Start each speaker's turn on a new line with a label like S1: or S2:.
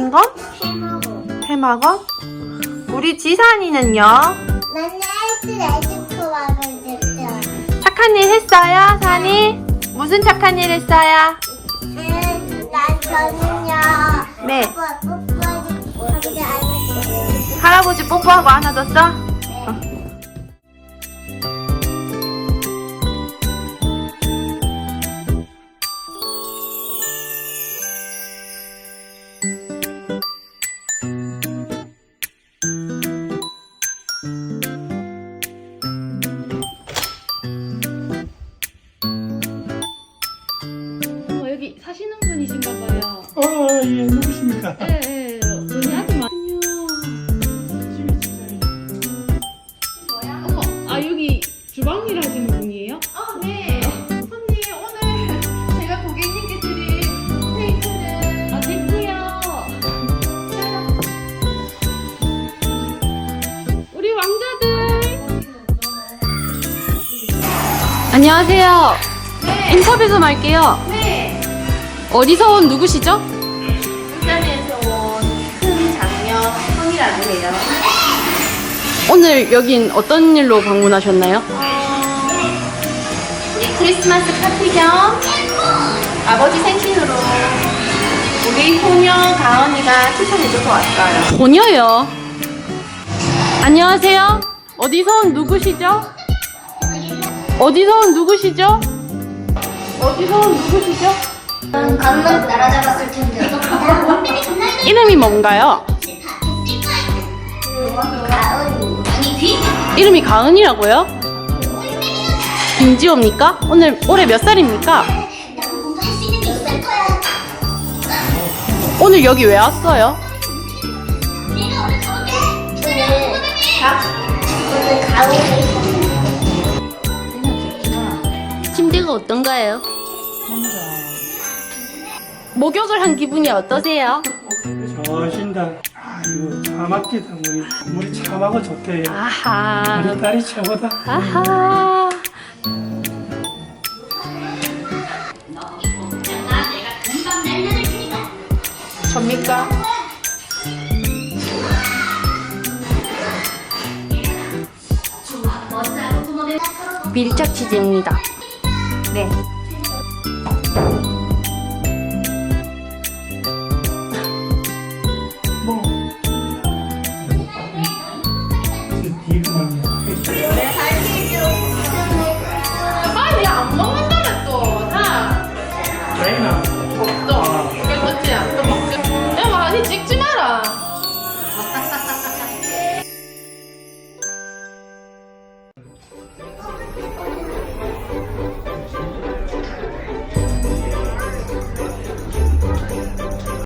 S1: 인건? 해마건? 우리 지산이는요?
S2: 나는 레지코와를 냈죠.
S1: 착한 일 했어요, 산이? 무슨 착한 일 했어요?
S2: 난 저는요.
S1: 네.
S2: 뽀뽀하기 안했어요.
S1: 할아버지 뽀뽀하고 안아줬어?
S3: 여기 사시는 분이신가 봐요.
S4: 예, 누구십니까?
S3: 예. 눈이 아주 많군요. 어머, 여기 주방 일 하시는 분이에요?
S1: 네. 손님, 오늘 제가 고객님께 드릴 스테이크는
S3: 됐고요. 우리 왕자들. 안녕하세요.
S1: 네.
S3: 인터뷰 좀 할게요.
S1: 네.
S3: 어디서 온 누구시죠?
S1: 울산에서 온 큰 장녀 성이라고 해요.
S3: 오늘 여긴 어떤 일로 방문하셨나요?
S1: 우리 크리스마스 파티 겸 아버지 생신으로 우리 소녀 가은이가 추천해줘서 왔어요.
S3: 소녀요. 안녕하세요. 어디서 온 누구시죠? 어디서 온 누구시죠? 어디서 온 누구시죠?
S2: 강릉 날아잡았을 텐데.
S3: 이름이 뭔가요?
S2: 가은. 아니 귀?
S3: 이름이 가은이라고요? 김지호입니까? 올해 몇 살입니까?
S2: 나도 공부할 수 있는 게 있을 거야.
S3: 오늘 여기 왜 왔어요?
S2: 내가 오늘 가볼게. 그래. 오늘 가을이.
S3: 침대가 어떤가요? 목욕을 한 기분이 어떠세요?
S4: 좋으신다. 이거 차갑기다. 물이 차가고 좋대.
S3: 아하.
S4: 우리 딸이 최고다.
S3: 아하.
S1: 접니까?
S3: 밀착 치즈입니다.
S1: 네.